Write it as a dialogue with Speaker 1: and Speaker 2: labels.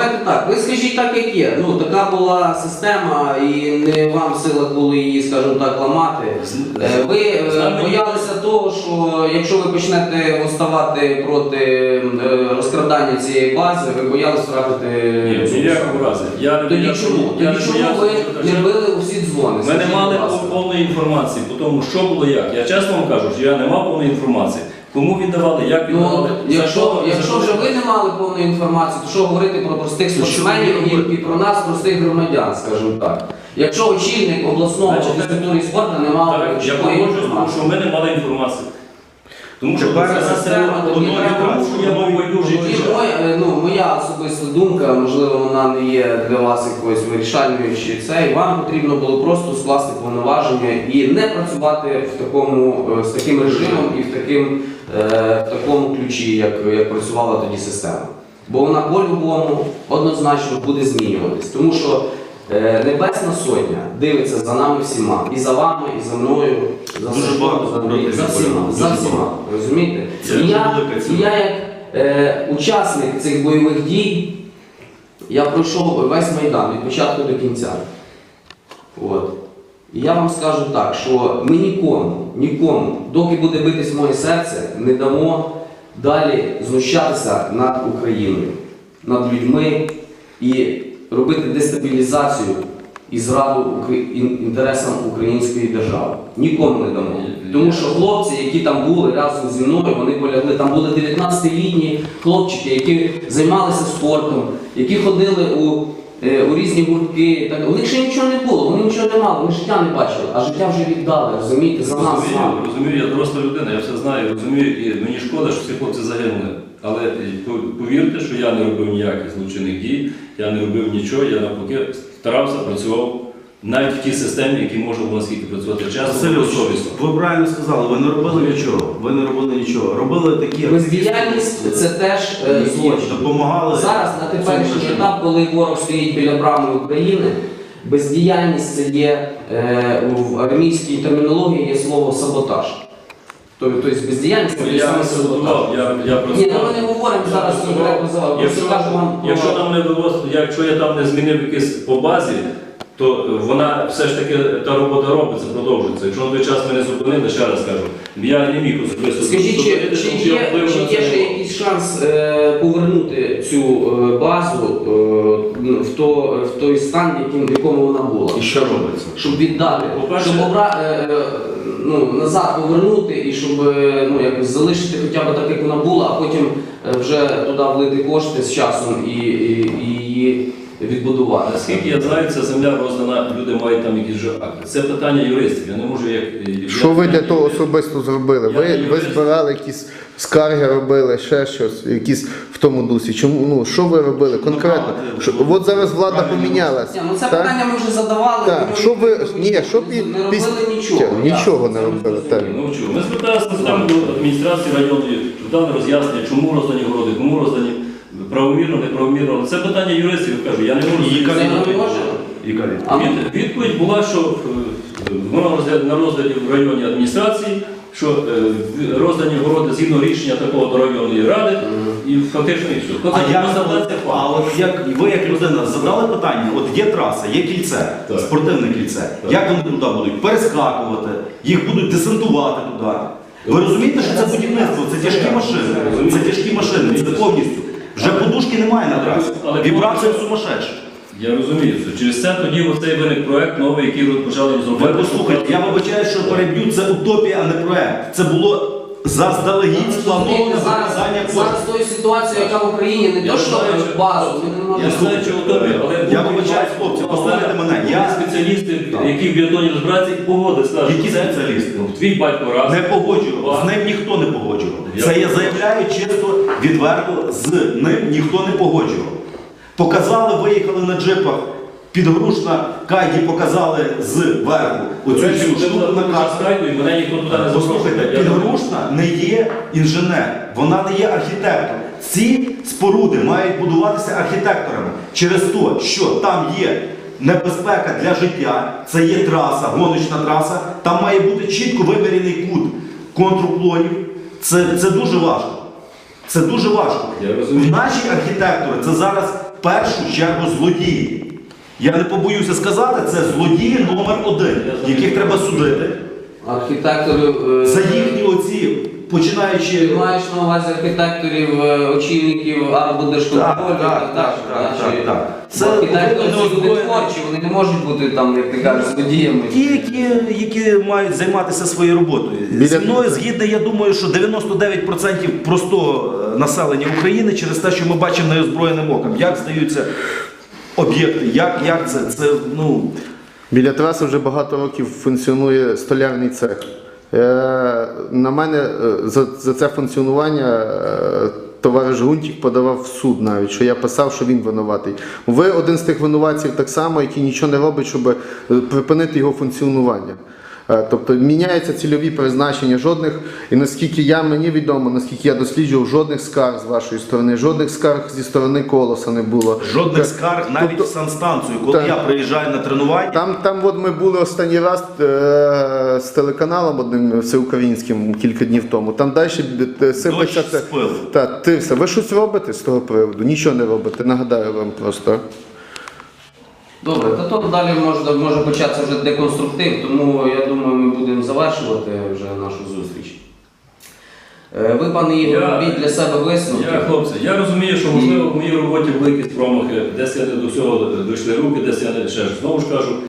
Speaker 1: давайте так, ви скажіть так, як є. Ну, така була система, і не вам сила було її, скажімо так, ламати. Ви боялися того, що якщо ви почнете вставати проти розкрадання цієї бази, ви боялися втратити...
Speaker 2: Ні, ніякого разу.
Speaker 1: Тоді чому? Тоді чому ви не били у всі дзвони?
Speaker 2: Ми не мали повної інформації по тому, що було як. Я чесно вам кажу, що я не мав повної інформації. Кому віддавали, як віддавали.
Speaker 1: Якщо вже ви не мали повної інформації, то що говорити про простих спортсменів і про нас, простих громадян, скажімо так. Якщо очільник обласного фізкультури і спорту не мав
Speaker 2: такої інформації. Тому що ми не мали інформації. Тому що це система, тому що я був байдужий.
Speaker 1: Моя особиста думка, можливо, вона не є для вас якоюсь вирішальною чи це, вам потрібно було просто скласти повноваження і не працювати з таким режимом і в такому ключі, як працювала тоді система. Бо вона по-любому однозначно буде змінюватись. Тому що Небесна Сотня дивиться за нами всіма. І за вами, і за мною, за всіма. Розумієте? І я як учасник цих бойових дій, я пройшов весь Майдан від початку до кінця. От. І я вам скажу так, що ми нікому, доки буде битись моє серце, не дамо далі знущатися над Україною, над людьми і робити дестабілізацію і зраду інтересам української держави. Нікому не дамо. Тому що хлопці, які там були разом зі мною, вони полягли. Там були 19-літні хлопчики, які займалися спортом, які ходили у різні гуртки. У них ще нічого не було, вони нічого не мали, вони життя не бачили, а життя вже віддали, розумієте, за нас.
Speaker 2: Розумію, я доросла людина, я все знаю, розумію, і мені шкода, що ці хлопці загинули. Але повірте, що я не робив ніяких злочинних дій, я не робив нічого, я навпаки старався, працював навіть в тій системі, які можна було наскільки працювати чесно, совісно.
Speaker 3: Ви правильно сказали, ви не робили нічого. Робили такі...
Speaker 1: Бездіяльність – це теж злочин.
Speaker 3: Допомагали...
Speaker 1: Зараз, на теперішній етап, коли ворог стоїть біля брами України, бездіяльність – це є, в армійській термінології є слово «саботаж». Тобто бездіяльність – це саме саботаж. Ні, ми не говоримо зараз,
Speaker 2: якщо я там не змінив якесь по базі, то вона все ж таки, та робота робиться, продовжується. Якщо на той час мене зупинили, ще раз кажу, я не міг особисто...
Speaker 1: Скажіть, чи є ще якийсь шанс повернути цю базу в той стан, в якому вона була?
Speaker 3: І що робиться?
Speaker 1: Щоб віддати, щоб назад повернути і щоб залишити хоча б так, як вона була, а потім вже туди влити кошти з часом і її відбудувати.
Speaker 2: Наскільки я знаю, ця земля роздана, люди мають там якісь вже акти. Це питання юристів, я не можу як...
Speaker 4: Що ви для того особисто зробили? Ви збирали якісь скарги, робили, ще щось, якісь в тому дусі. Чому, що ви робили конкретно? От зараз влада помінялася.
Speaker 1: Це питання ми вже задавали,
Speaker 4: ми не
Speaker 1: робили нічого.
Speaker 4: Нічого не робили.
Speaker 2: Ми зверталися до адміністрації районної, дали роз'яснення, чому роздані городи, кому роздані. Правомірно, неправомірно. Це питання юристів, кажу, я не можу. Відповідь була, що вона на розгляді в районній адміністрації, що роздані городи згідно рішення такого до районної ради, і фактично і все.
Speaker 3: А от ви як людина задали питання, от є траса, є кільце, спортивне кільце, як вони туди будуть перескакувати, їх будуть десантувати туди. Ви розумієте, що це будівництво, це тяжкі машини, це повністю. Вже подушки немає на трасі. Вібрація сумасшедша.
Speaker 2: Я розумію це. Через це тоді оцей виник проєкт новий, який почали розробляти.
Speaker 3: Ви послухайте, я вибачаю, що переб'ю, це утопія, а не проєкт. Це було заздалегідь сплановане виказання коштів.
Speaker 1: Зараз тою ситуацією, яка в Україні, не то, що базу.
Speaker 2: Я знаю, що утопія, але...
Speaker 3: Я вибачаю, хлопці, послухайте мене.
Speaker 2: Я спеціалісти, які в біотоні розбираються, і погоди скажуть.
Speaker 3: Які спеціалісти?
Speaker 2: Твій батько раз.
Speaker 3: Не погоджував. З ним ніхто не погоджував. Це я заявляю чисто, відверто, з ним ніхто не погоджував. Показали, виїхали на джипах, підгрушна кайді показали зверху. Оцю всю штуку на карту. Послухайте, підгрушна не є інженер, вона не є архітектор. Ці споруди мають будуватися архітекторами через те, що там є небезпека для життя, це є траса, гоночна траса, там має бути чітко вимірений кут контруклонів. Це дуже важко. Це дуже важко.
Speaker 2: Я розумію.
Speaker 3: Наші архітектори це зараз в першу чергу злодії. Я не побоюся сказати, це злодії номер один, яких треба судити
Speaker 1: Архітекторів.
Speaker 3: за їхні оці, починаючи.
Speaker 1: Ти маєш на увазі архітекторів, очільників арбудержконтролю?
Speaker 3: Так.
Speaker 1: Це
Speaker 3: Це
Speaker 1: архітектори
Speaker 3: не
Speaker 1: це люди
Speaker 3: озброєні.
Speaker 1: творчі, вони не можуть бути там, як ти кажеш, злодіями.
Speaker 3: Ті, які мають займатися своєю роботою. Зі мною згідно, я думаю, що 99% простого населення України через те, що ми бачимо неозброєним оком, як здаються об'єкти, як це, ну...
Speaker 4: Біля траси вже багато років функціонує столярний цех. На мене за це функціонування товариш Гунтік подавав в суд навіть, що я писав, що він винуватий. Ви один з тих винуватців так само, який нічого не робить, щоб припинити його функціонування. Тобто міняються цільові призначення, жодних, і наскільки мені відомо, наскільки я досліджував, жодних скарг з вашої сторони, жодних скарг зі сторони Колоса не було.
Speaker 3: Жодних скарг навіть
Speaker 4: Тобто-
Speaker 3: в санстанцію, коли
Speaker 4: Так.
Speaker 3: я приїжджаю на тренування.
Speaker 4: Там от ми були останній раз з телеканалом одним всеукраїнським кілька днів тому. Там далі сипеться
Speaker 3: Дощ з пилу.
Speaker 4: все. Ви щось робите з того приводу? Нічого не робите, нагадаю вам просто.
Speaker 1: Добре, та то далі може початися вже деконструктив, тому я думаю, ми будемо завершувати вже нашу зустріч. Ви, пане Ігор, робіть для себе висновки.
Speaker 2: Хлопці, я розумію, що можливо в моїй роботі великі промахи, десь я не до всього дійшли руки, десь я не ще ж. Знову ж кажу,